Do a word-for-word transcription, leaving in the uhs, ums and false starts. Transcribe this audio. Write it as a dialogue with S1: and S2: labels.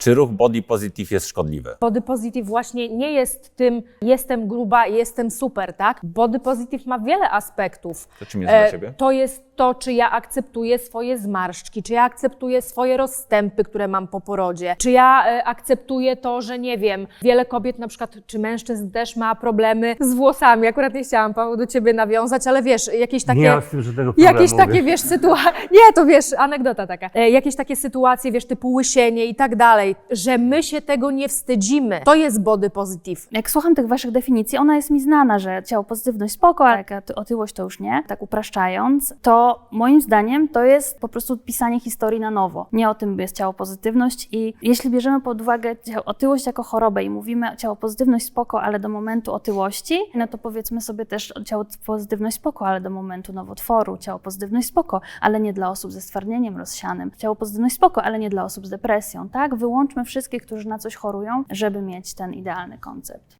S1: Czy ruch body positive jest szkodliwy?
S2: Body positive właśnie nie jest tym jestem gruba, jestem super, tak? Body positive ma wiele aspektów.
S1: To czym jest dla Ciebie?
S2: To jest to, czy ja akceptuję swoje zmarszczki, czy ja akceptuję swoje rozstępy, które mam po porodzie, czy ja e, akceptuję to, że nie wiem, wiele kobiet na przykład, czy mężczyzn też ma problemy z włosami. Akurat nie chciałam, Paweł, do Ciebie nawiązać, ale wiesz, jakieś takie...
S3: Nie mam z tym żadnego problemu.
S2: Jakieś takie, wiesz, sytuacje... Nie, to wiesz, anegdota taka. E, jakieś takie sytuacje, wiesz, typu łysienie i tak dalej, że my się tego nie wstydzimy. To jest body positive.
S4: Jak słucham tych waszych definicji, ona jest mi znana, że ciało pozytywność spoko, ale taka otyłość to już nie, tak upraszczając, to moim zdaniem to jest po prostu pisanie historii na nowo. Nie o tym jest ciało pozytywność i jeśli bierzemy pod uwagę otyłość jako chorobę i mówimy ciało pozytywność spoko, ale do momentu otyłości, no to powiedzmy sobie też ciało pozytywność spoko, ale do momentu nowotworu, ciało pozytywność spoko, ale nie dla osób ze stwardnieniem rozsianym, ciało pozytywność spoko, ale nie dla osób z depresją, tak? Wyłączmy wszystkich, którzy na coś chorują, żeby mieć ten idealny koncept.